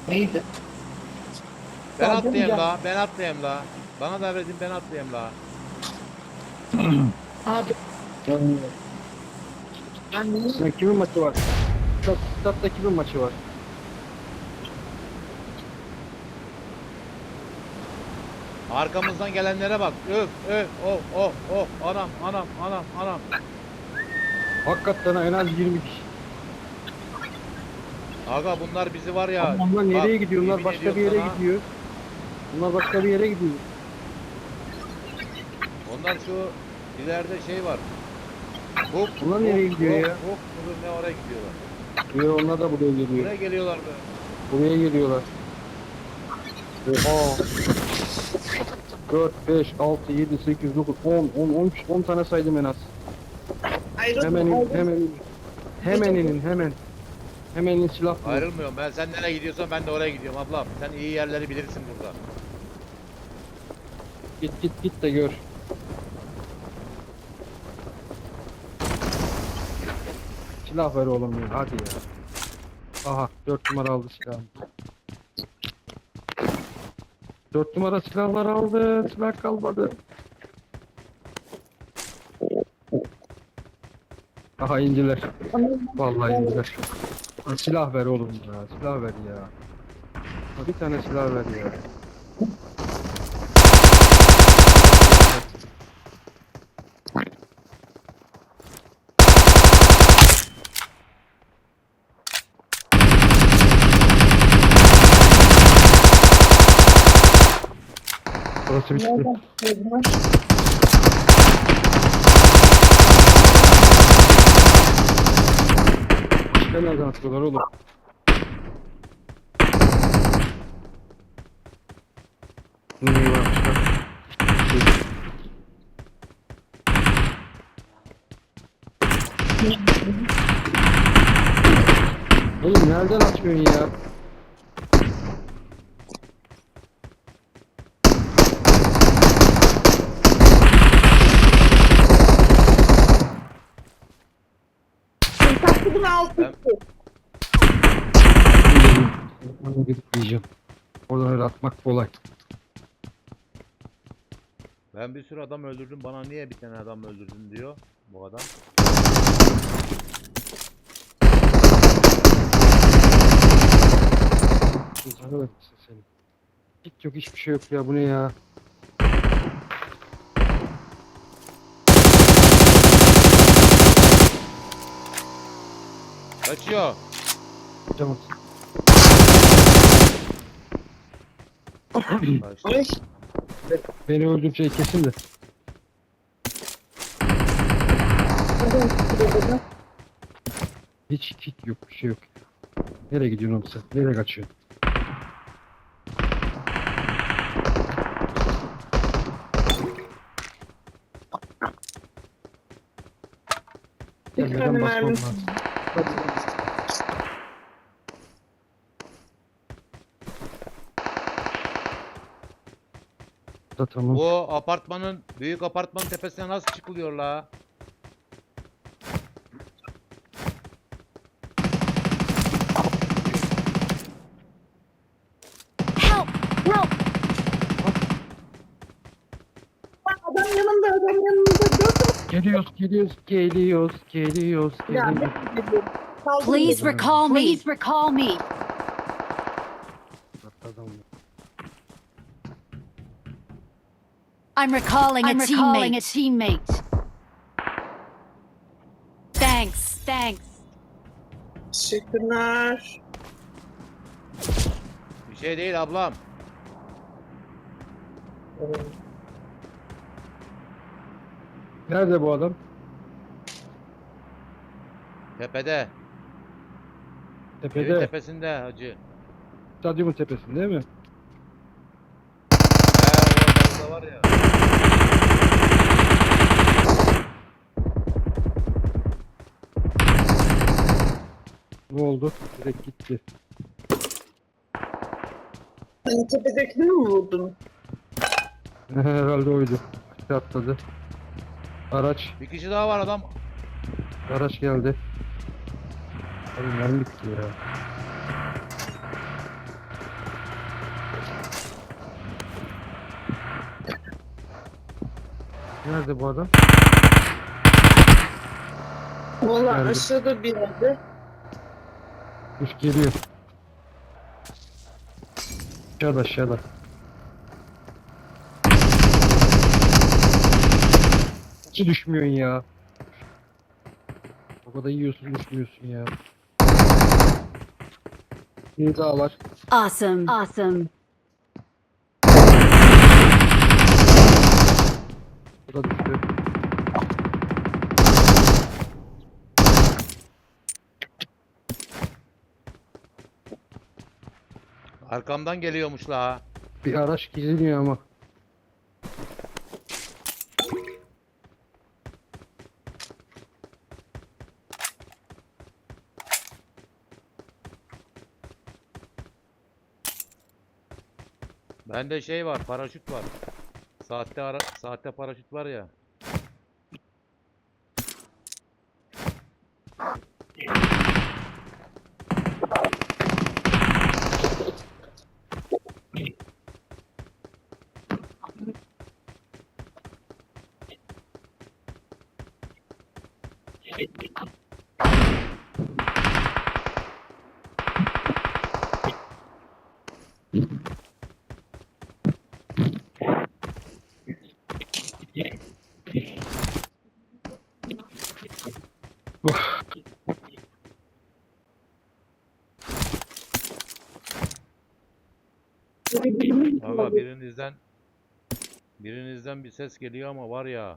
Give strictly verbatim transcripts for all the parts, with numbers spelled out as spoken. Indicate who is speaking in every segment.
Speaker 1: Neydi?
Speaker 2: Ben
Speaker 1: Sağ
Speaker 2: atlayayım
Speaker 1: gel.
Speaker 2: la, ben atlayayım la. Bana da verdin, ben atlayayım la.
Speaker 1: Abi. Ben niye?
Speaker 3: Ya kimin maçı var? Stat, statta kimin maçı var?
Speaker 2: Arkamızdan gelenlere bak. Öf, öf, oh, oh, oh. Anam, anam, anam, anam.
Speaker 3: Hakikaten en az yirmi kişi.
Speaker 2: Aga bunlar bizi var ya.
Speaker 3: Ama onlar nereye
Speaker 2: bak,
Speaker 3: gidiyor? Onlar
Speaker 2: yemin
Speaker 3: başka
Speaker 2: ediyorum
Speaker 3: bir yere
Speaker 2: sana,
Speaker 3: gidiyor. Onlar başka bir yere gidiyor.
Speaker 2: Onlar şu ileride şey var. Hop,
Speaker 3: Onlar nereye gidiyor
Speaker 2: hop,
Speaker 3: ya?
Speaker 2: Hop, hop, ne oraya gidiyorlar.
Speaker 3: Yo, onlar da buraya geliyor.
Speaker 2: Buraya geliyorlar be.
Speaker 3: Buraya geliyorlar. Oha. dört, beş, altı, yedi, sekiz, dokuz, on, on, on, on tane saydım en az.
Speaker 1: Ayrılma.
Speaker 3: Hemen in,
Speaker 1: ayrılma.
Speaker 3: hemen in. Hemen inin, hemen. Hemen in, silah bulun.
Speaker 2: Ayrılmıyorum ben. Sen nereye gidiyorsan ben de oraya gidiyorum ablam. Sen iyi yerleri bilirsin burada.
Speaker 3: Git git git de gör. Silah ver oğlum ya, hadi ya. Aha, dört numara aldı silahını. Dört numara silahlar aldı, silah kalmadı. Aha indiler. Vallahi indiler. Ha, silah ver oğlum ya, silah ver ya. Ha, bir tane silah ver ya. Burası bitti.
Speaker 1: Nereden?
Speaker 3: Başka nereden atıyorlar oğlum? Ne varmış bak. Oğlum nereden atıyorsun ya?
Speaker 1: Tatlının altı.
Speaker 2: Ben-
Speaker 3: Onu gidip diyeceğim. Oradan öyle atmak kolay.
Speaker 2: Ben bir sürü adam öldürdüm. Bana niye bir tane adam öldürdün diyor bu adam.
Speaker 3: Canı vermişsin senin. Hiç yok, hiçbir şey yok ya, bu ne ya?
Speaker 2: Kaçıyor.
Speaker 3: Tamam.
Speaker 2: Kaçtı.
Speaker 1: Ay.
Speaker 3: Beni öldürecek kesin de.
Speaker 1: Nereden?
Speaker 3: Hiç kit yok, bir şey yok. Nereye gidiyorsun oğlum sen? Nereye kaçıyorsun?
Speaker 1: Bir tane
Speaker 3: Gelmeden basmam
Speaker 1: mermi.
Speaker 3: lazım. Da tamam.
Speaker 2: Bu apartmanın, büyük apartmanın tepesine nasıl çıkılıyor la?
Speaker 4: Help! Help!
Speaker 1: Adam yanımda, adam yanımda. Dört
Speaker 3: Geliyoruz, geliyoruz, geliyoruz, geliyoruz,
Speaker 1: Ya
Speaker 3: geliyoruz.
Speaker 1: ne diyorum? Kaldım
Speaker 4: Please
Speaker 1: dedim.
Speaker 4: recall me. Please recall me.
Speaker 3: Adam.
Speaker 4: I'm recalling
Speaker 5: I'm
Speaker 4: a
Speaker 5: recalling
Speaker 4: teammate.
Speaker 5: a teammate.
Speaker 4: Thanks. Thanks.
Speaker 1: Teşekkürler.
Speaker 2: Bir şey değil ablam.
Speaker 3: Nerede bu adam?
Speaker 2: Tepede. Evin
Speaker 3: Tepede.
Speaker 2: tepesinde hacı.
Speaker 3: Stadyumun tepesinde değil mi?
Speaker 2: He orada var ya.
Speaker 3: Ne oldu? Direkt gitti.
Speaker 1: Hani tepedekini mi vurdun?
Speaker 3: Herhalde oydu. Aşağı atladı. Araç.
Speaker 2: Bir kişi daha var adam.
Speaker 3: Araç geldi. Abi mermi bitti ya. Nerede bu adam?
Speaker 1: Valla
Speaker 3: Nerede?
Speaker 1: aşağıda bir yerde.
Speaker 3: Üf geliyor. Aşağıda aşağıda. Hiç düşmüyorsun ya. O kadar yiyorsun düşmüyorsun ya. Bir daha var.
Speaker 4: Awesome. Awesome.
Speaker 3: Bu da düştü.
Speaker 2: Arkamdan geliyormuş la.
Speaker 3: Bir araç gizleniyor ama.
Speaker 2: Bende şey var, paraşüt var. Saatte ara saatte paraşüt var ya. Valla birinizden birinizden bir ses geliyor ama var ya.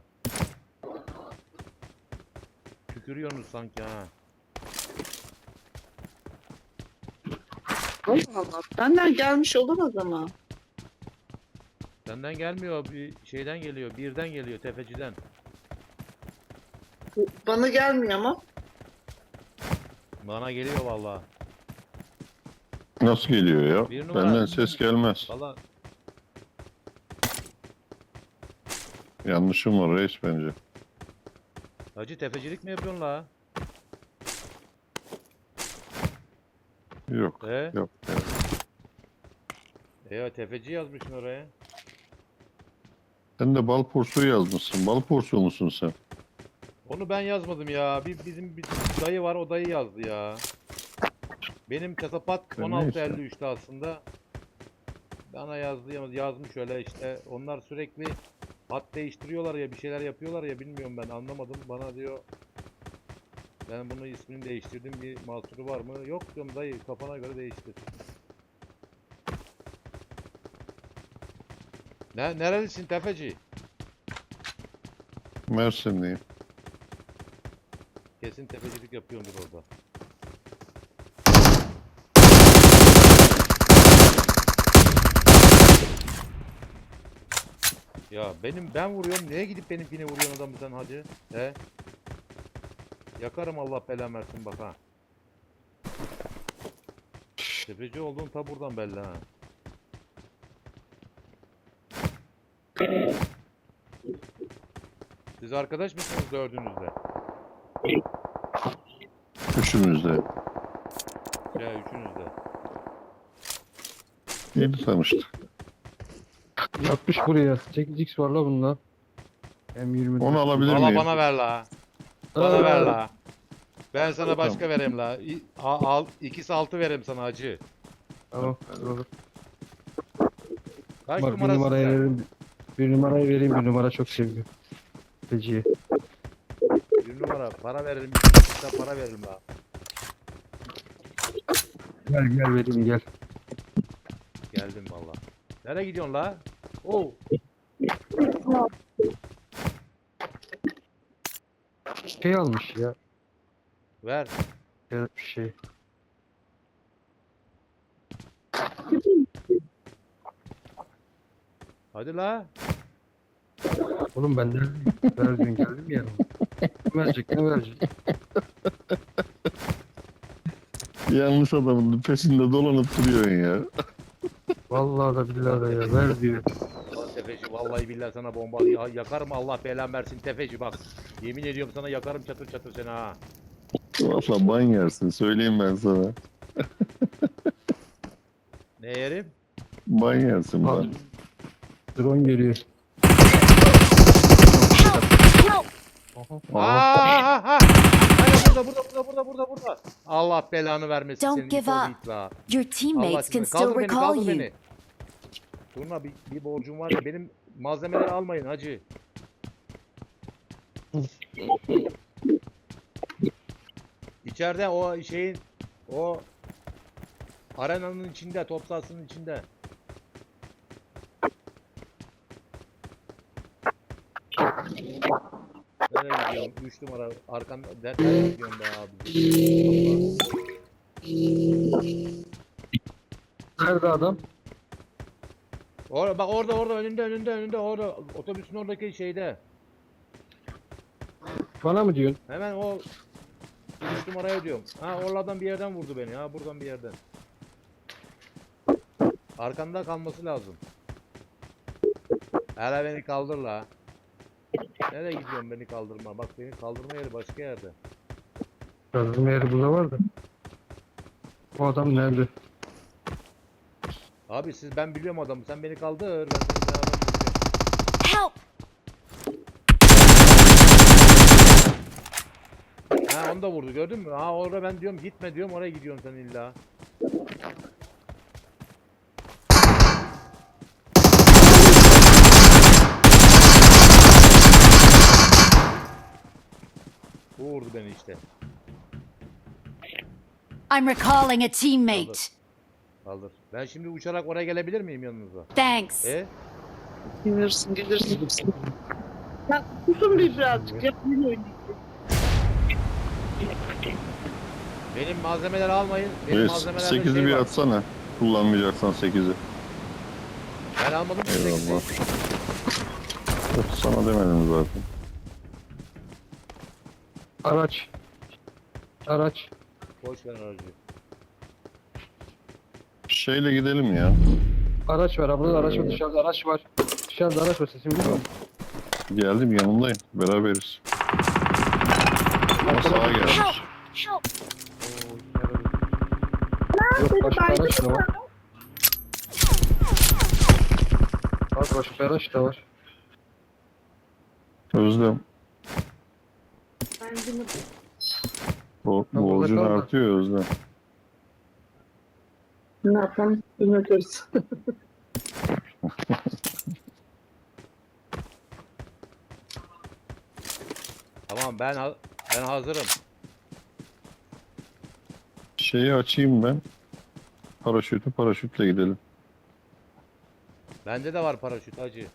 Speaker 2: Tükürüyorsunuz sanki ha.
Speaker 1: Allah Allah. Benden gelmiş olamaz ama.
Speaker 2: Senden gelmiyor, bir şeyden geliyor, birden geliyor, tefeciden.
Speaker 1: Bana gelmiyor ama.
Speaker 2: Bana geliyor valla.
Speaker 5: Nasıl geliyor ya?
Speaker 2: Bir numara.
Speaker 5: Benden ses gelmez.
Speaker 2: Valla
Speaker 5: Yanlışım var reis bence.
Speaker 2: hacı tefecilik mi yapıyorsun la?
Speaker 5: Yok.
Speaker 2: He?
Speaker 5: Yok. Ya.
Speaker 2: E ya tefeci yazmışsın oraya.
Speaker 5: Sen de bal porsuğu yazmışsın. Bal porsuğu musun sen?
Speaker 2: Onu ben yazmadım ya. Bir bizim bir dayı var, o dayı yazdı ya. Benim kasapat
Speaker 5: Ya
Speaker 2: on altı
Speaker 5: neyse.
Speaker 2: elli üçte aslında. Bana yazdı yazmış öyle işte. Onlar sürekli hat değiştiriyorlar ya, bir şeyler yapıyorlar ya, bilmiyorum ben anlamadım. Bana diyor ben bunu ismini değiştirdim, bir mahsuru var mı? Yok diyorum dayı, kafana göre değiştir. Ne nerelisin tefeci?
Speaker 5: Mersinliyim.
Speaker 2: Kesin tefecilik yapıyordur orada. Ya benim ben vuruyorum, neye gidip benimkini vuruyorsun adamı sen hacı? He? Yakarım Allah belamı versin bak ha. Tefeci olduğun ta buradan belli ha. Siz arkadaş mısınız dördünüzde?
Speaker 5: Üçümüz de.
Speaker 2: Ya üçünüzde.
Speaker 5: Yeni tanıştık.
Speaker 3: Yapmış buraya. sekiz x var la bunda. M yirmi.
Speaker 5: Onu alabilir
Speaker 2: Valla
Speaker 5: miyim?
Speaker 2: bana ver la. Bana ver la. Ben sana başka vereyim la. İ- a- Al, ikisi altı vereyim sana hacı.
Speaker 3: Tamam. Olur.
Speaker 2: Kaç
Speaker 3: Bak bir
Speaker 2: numarasın
Speaker 3: numarayı
Speaker 2: sen?
Speaker 3: vereyim. Bir numarayı vereyim. Bir numara çok seviyor. Feci'ye.
Speaker 2: Bir numara para verelim. İkisi para verelim la.
Speaker 3: Gel gel vereyim gel.
Speaker 2: Geldim valla. Nereye gidiyorsun la? Oo.
Speaker 3: Şey almış ya.
Speaker 2: Ver.
Speaker 3: Bir şey.
Speaker 2: Hadi la.
Speaker 3: Oğlum ben neredeyim? Ver gün geldim ya. Ne verecek ne verecek?
Speaker 5: Yanlış adamın peşinde dolanıp duruyorsun ya.
Speaker 3: Vallahi da billahi da ya ver diyor.
Speaker 2: Lan tefeci vallahi billahi sana bomba ya, yakarım Allah belanı versin tefeci bak. Yemin ediyorum sana yakarım çatır çatır seni ha.
Speaker 5: Valla ban yersin. Söyleyeyim ben sana.
Speaker 2: Ne yerim?
Speaker 5: Ban yersin
Speaker 3: Al.
Speaker 5: ban.
Speaker 3: Drone geliyor.
Speaker 4: Help!
Speaker 2: Aa,
Speaker 5: Aha.
Speaker 2: ha, ha. Hayır, burada, burada, burada, burada, burada, burada. Allah belanı vermesin
Speaker 4: Don't
Speaker 2: senin
Speaker 4: give
Speaker 2: it oğlu
Speaker 4: up.
Speaker 2: it la.
Speaker 4: Your
Speaker 2: Allah
Speaker 4: teammates can
Speaker 2: aşkına.
Speaker 4: still
Speaker 2: Kaldır beni,
Speaker 4: recall
Speaker 2: kaldır
Speaker 4: you.
Speaker 2: beni. Turna bir, bir borcum var ya, benim malzemeleri almayın hacı. İçeride o şeyin, o arenanın içinde, top sahasının içinde. Nereye gidiyorsun? Üç numara arkan nereye gidiyorsun be abi?
Speaker 3: Nerede adam?
Speaker 2: Orada bak, orada orada önünde önünde önünde orada otobüsün oradaki şeyde.
Speaker 3: Bana mı diyorsun?
Speaker 2: Hemen o üç numaraya diyorum. Ha, oralardan bir yerden vurdu beni. Ha, buradan bir yerden. Arkanda kalması lazım. Hele beni kaldır la. Nereye gidiyorsun beni kaldırma? Bak, beni kaldırma yeri başka yerde.
Speaker 3: Kazılma yeri burada var da. Bu adam nerede?
Speaker 2: Abi siz, ben biliyorum adamı. Sen beni kaldır. Ben seni beraber vuracağım.
Speaker 4: Help!
Speaker 2: Ha, onu da vurdu, gördün mü? Ha, orada ben diyorum gitme diyorum, oraya gidiyorsun sen illa. Bu vurdu beni işte.
Speaker 4: I'm recalling a teammate.
Speaker 2: Kaldır. Ben şimdi uçarak oraya gelebilir miyim yanınıza?
Speaker 4: Thanks.
Speaker 2: E?
Speaker 1: Gelirsin gelirsin. Ya susun bir birazcık. Yapmayın oynayın.
Speaker 2: Benim malzemeleri almayın. Benim
Speaker 5: Evet,
Speaker 2: malzemelerde
Speaker 5: sekizi
Speaker 2: şey
Speaker 5: bir
Speaker 2: var.
Speaker 5: atsana. Kullanmayacaksan sekizi.
Speaker 2: Ben almadım ki sekizi.
Speaker 5: Eyvallah. Yok, sana demedim zaten.
Speaker 3: Araç. Araç.
Speaker 2: Boş ver aracı.
Speaker 5: Şeyle gidelim ya.
Speaker 3: Araç var. Burada araç var. Dışarıda araç var. Dışarıda araç var. Sesimi duyuyor musun?
Speaker 5: Geldim, yanındayım. Beraberiz. Ama sağa gelmiş.
Speaker 4: Help! Help!
Speaker 2: Oo, yine böyle-
Speaker 3: Yok, başka araç da var. Bak, başka araç da var.
Speaker 5: Özlem.
Speaker 1: Ben bunu
Speaker 5: Bu
Speaker 3: burada
Speaker 5: borcun
Speaker 3: kalma.
Speaker 5: artıyor ya Özlem.
Speaker 1: ne yapalım? Bilmiyoruz.
Speaker 2: Tamam, ben ha- ben hazırım.
Speaker 5: Şeyi açayım ben. Paraşütü, paraşütle gidelim.
Speaker 2: Bende de var paraşüt hacı.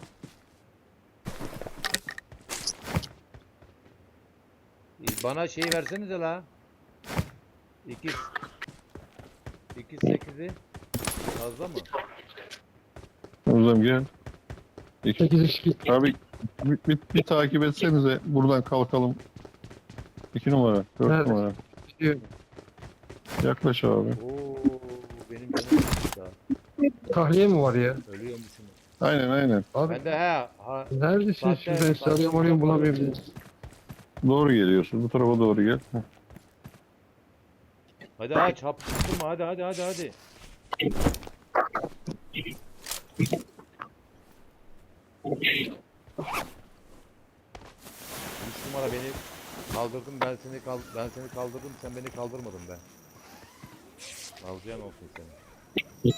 Speaker 2: Ee, Bana şeyi versenize la. İkiz. İkiz sekizi. Fazla mı?
Speaker 5: Özlem gel. İki.
Speaker 3: sekiz iki.
Speaker 5: Abi bir, bir, bir takip etsenize. Buradan kalkalım. İki numara, dört
Speaker 3: Nerede?
Speaker 5: numara.
Speaker 3: Diyor.
Speaker 5: Yaklaş abi.
Speaker 2: Oo, benim canım sıkıldı daha.
Speaker 3: Tahliye mi var ya?
Speaker 2: Ölüyormuşum.
Speaker 5: Aynen aynen.
Speaker 3: Abi
Speaker 2: Ben de he. Ha,
Speaker 3: neredesiniz
Speaker 2: Sahte-
Speaker 3: siz? Ben sizi arıyorum arıyorum bulamıyorum.
Speaker 5: Doğru geliyorsun. Bu tarafa doğru gel. Heh.
Speaker 2: hadi aç, hap tutturma, hadi hadi hadi hadi. Üç numara beni kaldırdın, ben seni kal ben seni kaldırdım, sen beni kaldırmadın be. Alacağın olsun seni.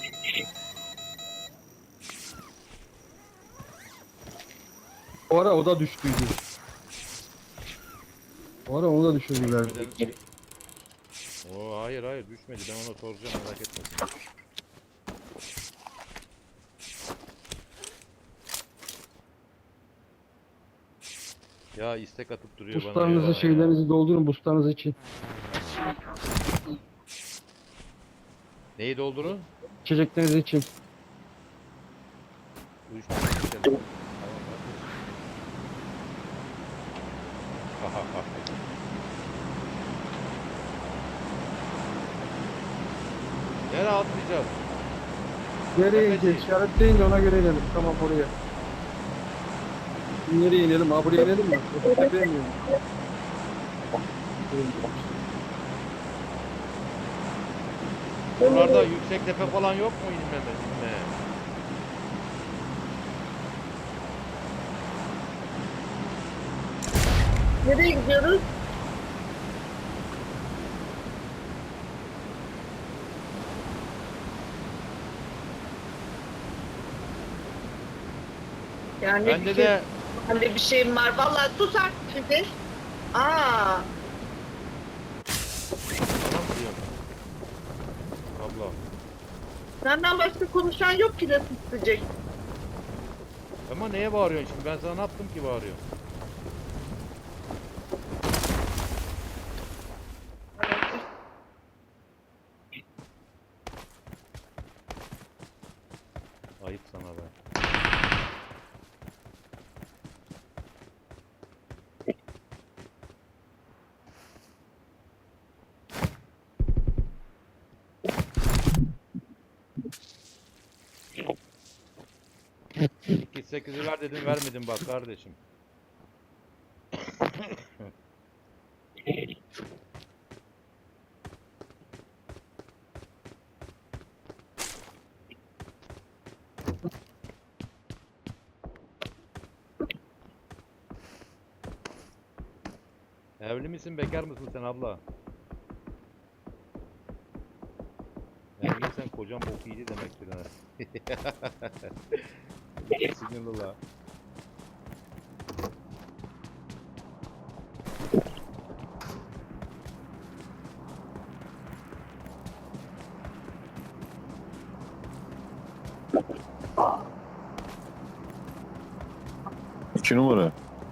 Speaker 3: O ara o da düştüydü. O ara onu da düşürdüler.
Speaker 2: Oo, hayır hayır düşmedi, ben ona soracağım, merak etme sen. Ya istek atıp duruyor bana
Speaker 3: Buslarınızı,
Speaker 2: ya.
Speaker 3: şeylerinizi doldurun buslarınız için.
Speaker 2: Neyi doldurun?
Speaker 3: İçecekleriniz için.
Speaker 2: Uyuşturucu içelim. Tamam, bak. Nereye atlayacağız?
Speaker 3: Nereye
Speaker 2: Tepeci.
Speaker 3: ineceğiz? İşaretleyin de ona göre inelim. Tamam oraya. Nereye inelim? Ha buraya inelim mi? Tepeye mi inelim?
Speaker 2: Buralarda yüksek tepe falan yok mu inmeme? inme?
Speaker 1: Nereye gidiyoruz? Yani
Speaker 2: Bende
Speaker 1: bir
Speaker 2: de
Speaker 1: şey, bende bir şeyim var. Vallahi sus artık şimdi. Aa,
Speaker 2: tamam diyorum. Abla.
Speaker 1: senden başka konuşan yok ki de susacak.
Speaker 2: Ama neye bağırıyorsun şimdi? Ben sana ne yaptım ki bağırıyorsun? Ayıp sana be. iki sekizi ver dedim vermedim bak kardeşim. Evli misin bekar mısın sen abla? Evliysen kocan bok yedi demektir ha. Sinirli la.
Speaker 5: İki numara.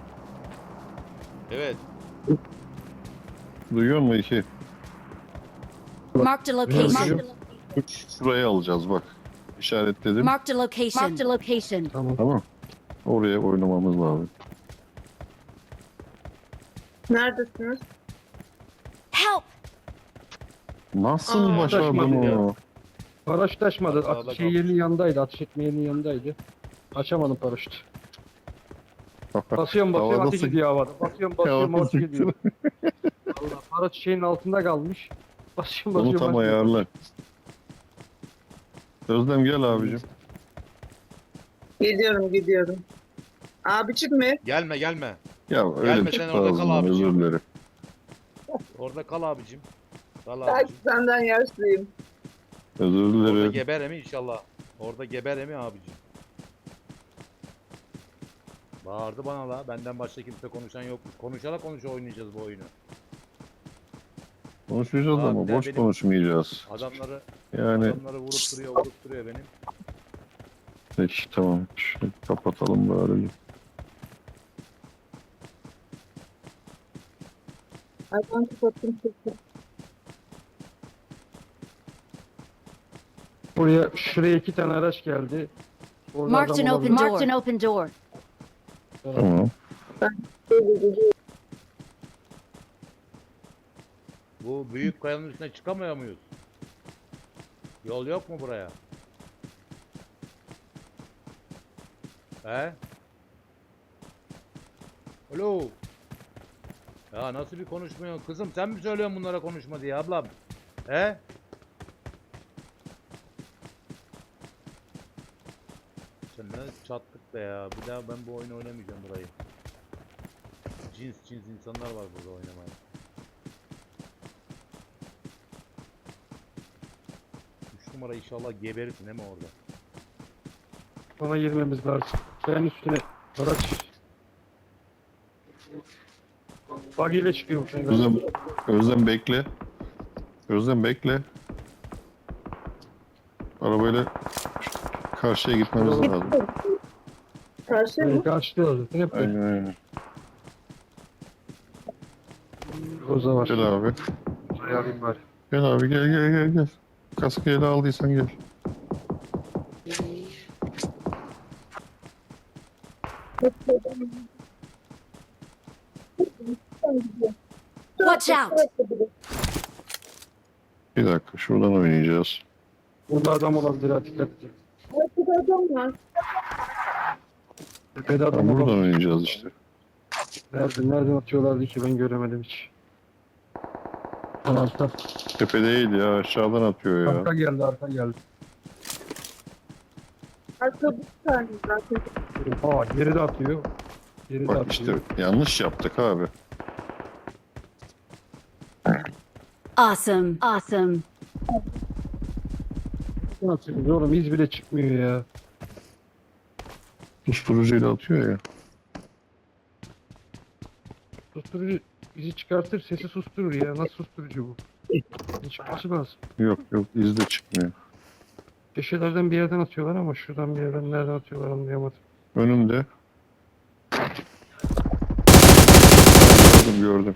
Speaker 2: Evet.
Speaker 5: Duyuyor musun iki?
Speaker 4: Marked a location.
Speaker 5: Üç şuraya alacağız bak. İşaretledim.
Speaker 4: Marked a location. Marked a location.
Speaker 3: Tamam.
Speaker 5: Tamam. Oraya oynamamız lazım.
Speaker 1: Neredesiniz?
Speaker 4: Help!
Speaker 5: Nasıl
Speaker 1: Aa,
Speaker 5: başardın
Speaker 3: taşmadı ya.
Speaker 5: onu?
Speaker 3: Paraşüt açmadı.
Speaker 2: Sağda
Speaker 3: At, şey
Speaker 2: kalmış.
Speaker 3: yerinin yanındaydı. Ateş etme yerinin yanındaydı. Açamadım paraşütü. Basıyorum basıyorum
Speaker 5: Havada
Speaker 3: ateş
Speaker 5: sık-
Speaker 3: ediyor havada. Basıyorum basıyorum
Speaker 5: Havada
Speaker 3: ateş ediyor.
Speaker 5: sıktın.
Speaker 3: Allah paraşüt şeyin altında kalmış. Basıyorum
Speaker 5: Onu
Speaker 3: basıyorum.
Speaker 5: tam
Speaker 3: basıyorum.
Speaker 5: ayarla. Özlem gel abicim.
Speaker 1: Gidiyorum, gidiyorum. Abicim mi?
Speaker 2: Gelme gelme.
Speaker 5: Ya öyle
Speaker 2: Gelme,
Speaker 5: bir
Speaker 2: sen
Speaker 5: çıktı
Speaker 2: orada kal
Speaker 5: ağzından
Speaker 2: abicim.
Speaker 5: özür dilerim.
Speaker 2: Orada kal abicim. Kal
Speaker 1: Belki
Speaker 2: abicim.
Speaker 1: senden yaşlıyım.
Speaker 5: Özür
Speaker 2: Orada
Speaker 5: dilerim.
Speaker 2: geber emi inşallah. Orada geber emi abicim. Bağırdı bana la. Benden başka kimse konuşan yok. Konuşarak konuşa oynayacağız bu oyunu.
Speaker 5: Konuşacağız
Speaker 2: Abi
Speaker 5: ama
Speaker 2: de
Speaker 5: boş
Speaker 2: benim-
Speaker 5: konuşmayacağız.
Speaker 2: Adamları
Speaker 5: Yani
Speaker 2: adamları vurup duruyor, vurup duruyor benim.
Speaker 5: peki tamam. Şunu kapatalım bari.
Speaker 1: Ay ben kapattım sesi.
Speaker 3: Buraya şuraya iki tane araç geldi. Orada
Speaker 4: Marked an
Speaker 3: adam
Speaker 4: open
Speaker 3: olabilir.
Speaker 4: door. Marked an open door.
Speaker 5: Tamam.
Speaker 2: Bu büyük kayanın üstüne çıkamıyor muyuz? Yol yok mu buraya? He? Alo. Ya nasıl bir konuşmuyor? Kızım sen mi söylüyorsun bunlara konuşma diye ablam? He? Sen ne çattık be ya. Bir daha ben bu oyunu oynamayacağım burayı. Cins cins insanlar var burada oynamaya. Üç numara inşallah geberirsin değil mi orada?
Speaker 3: Ona girmemiz lazım. Ben üstüne araç. Bug ile çıkıyormuş.
Speaker 5: Özlem, Özlem bekle. Özlem bekle. Arabayla karşıya gitmemiz lazım.
Speaker 1: Karşı mı?
Speaker 3: Karşılıyor zaten hep böyle.
Speaker 5: Aynen aynen.
Speaker 3: Koza var.
Speaker 5: Gel abi.
Speaker 3: Ayarlayayım bari.
Speaker 5: Gel abi gel gel gel gel. Kaskı ele aldıysan gel.
Speaker 4: Watch out!
Speaker 5: Bir dakika şuradan oynayacağız.
Speaker 3: Burada adam olabilir ha dikkat edin.
Speaker 1: Arkada adam var.
Speaker 3: Tepede adam
Speaker 5: Tamam, buradan
Speaker 3: olabilir.
Speaker 5: oynayacağız işte.
Speaker 3: Nerede, nereden atıyorlardı ki ben göremedim hiç. Arka,
Speaker 5: Tepe değil ya aşağıdan atıyor ya.
Speaker 3: arka geldi arka geldi.
Speaker 1: Arka bir tane zaten.
Speaker 3: Aa geri de atıyor. Geri de
Speaker 5: Bak
Speaker 3: atıyor.
Speaker 5: işte yanlış yaptık abi.
Speaker 4: Awesome. Awesome.
Speaker 3: Nasıl oğlum iz bile çıkmıyor ya.
Speaker 5: Susturucuyla atıyor ya.
Speaker 3: Susturucu bizi çıkartır sesi susturur ya. Nasıl susturucu bu? Çıkması lazım.
Speaker 5: Yok yok iz de çıkmıyor.
Speaker 3: Köşelerden bir yerden atıyorlar ama şuradan bir yerden nereden atıyorlar anlayamadım.
Speaker 5: Önümde. Gördüm gördüm.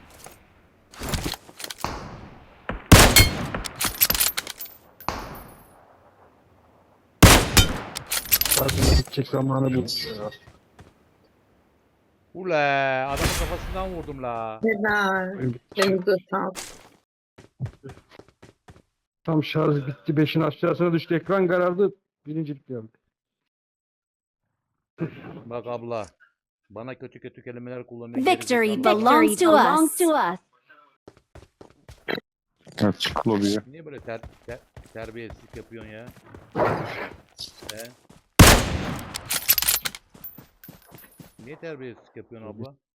Speaker 3: Zaten gidecek zamanı bu. Ya.
Speaker 2: Ule adamın kafasından vurdum la.
Speaker 1: Helal. Elinize sağlık.
Speaker 3: Tam şarj bitti. Beşin aşağısına düştü. Ekran karardı. Birincilik geldi.
Speaker 2: Bak abla. Bana kötü kötü kelimeler kullanıyor.
Speaker 4: Victory
Speaker 2: gerizekalı.
Speaker 4: belongs to us. To us.
Speaker 5: Ha, çık lobiye.
Speaker 2: Niye böyle ter, ter, terbiyesizlik yapıyorsun ya? He? Niye terbiyesizlik yapıyorsun abla?